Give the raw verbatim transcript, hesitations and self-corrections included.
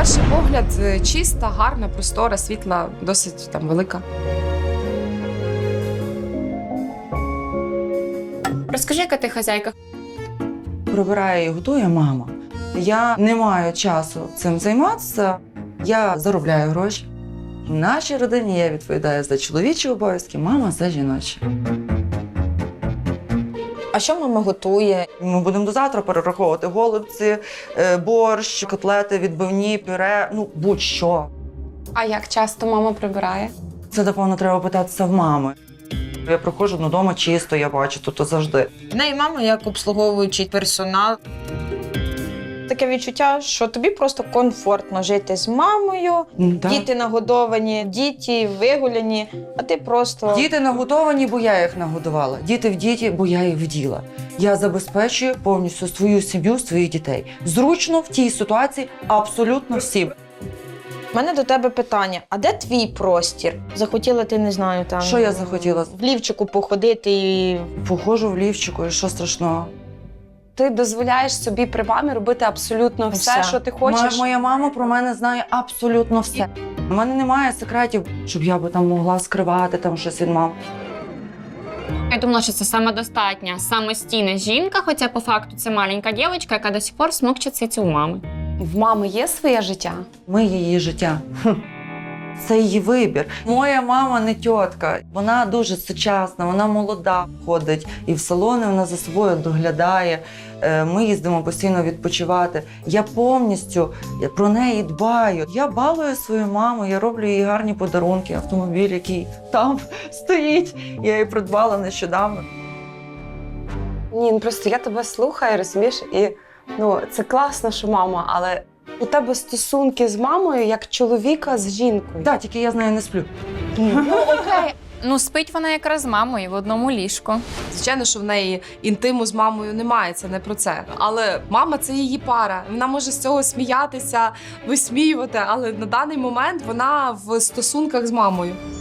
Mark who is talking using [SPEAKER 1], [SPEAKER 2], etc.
[SPEAKER 1] перший погляд, чиста, гарна, простора, світла, досить там велика.
[SPEAKER 2] Розкажи, яка ти хазяйка?
[SPEAKER 3] Прибирає і готує мама. Я не маю часу цим займатися. Я заробляю гроші. В нашій родині я відповідаю за чоловічі обов'язки, мама за жіночі.
[SPEAKER 4] А що мама готує?
[SPEAKER 3] Ми будемо до завтра перераховувати голубці, е, борщ, котлети, відбивні, пюре, ну будь-що.
[SPEAKER 2] А як часто мама прибирає?
[SPEAKER 3] Це, напевно, треба питатися в мами. Я приходжу додому чисто, я бачу, тут завжди.
[SPEAKER 4] В неї мама як обслуговуючий персонал. Таке відчуття, що тобі просто комфортно жити з мамою,
[SPEAKER 3] М, так.
[SPEAKER 4] діти нагодовані, діти вигуляні, а ти просто…
[SPEAKER 3] Діти нагодовані, бо я їх нагодувала. Діти в діті, бо я їх вділа. Я забезпечую повністю свою сім'ю, своїх дітей. Зручно в тій ситуації абсолютно всім.
[SPEAKER 4] У мене до тебе питання, а де твій простір? Захотіла ти, не знаю, там…
[SPEAKER 3] Що я захотіла?
[SPEAKER 4] В лівчику походити і…
[SPEAKER 3] Походжу в лівчику, і що страшного?
[SPEAKER 2] Ти дозволяєш собі при мамі робити абсолютно все,
[SPEAKER 4] Все.
[SPEAKER 2] що ти хочеш?
[SPEAKER 3] Моя, моя мама про мене знає абсолютно все. У мене немає секретів, щоб я би там могла скривати там щось від мами.
[SPEAKER 5] Я думала, що це самодостатня, самостійна жінка, хоча по факту це маленька дівчинка, яка до сих пор смокче цицю у мами.
[SPEAKER 2] В мами є своє життя?
[SPEAKER 3] Ми її життя. Хм. Це її вибір. Моя мама не тітка. Вона дуже сучасна, вона молода, ходить і в салони вона за собою доглядає. Е, Ми їздимо постійно відпочивати. Я повністю про неї дбаю. Я балую свою маму, я роблю їй гарні подарунки. Автомобіль, який там стоїть, я її придбала нещодавно.
[SPEAKER 2] Ні, ну просто я тебе слухаю, розумієш, і ну, це класно, що мама, але у тебе стосунки з мамою як чоловіка з жінкою.
[SPEAKER 3] Так, тільки я з нею не сплю.
[SPEAKER 5] Ну, спить вона якраз з мамою в одному ліжку.
[SPEAKER 1] Звичайно, що в неї інтиму з мамою немає, це не про це. Але мама – це її пара. Вона може з цього сміятися, висміювати, але на даний момент вона в стосунках з мамою.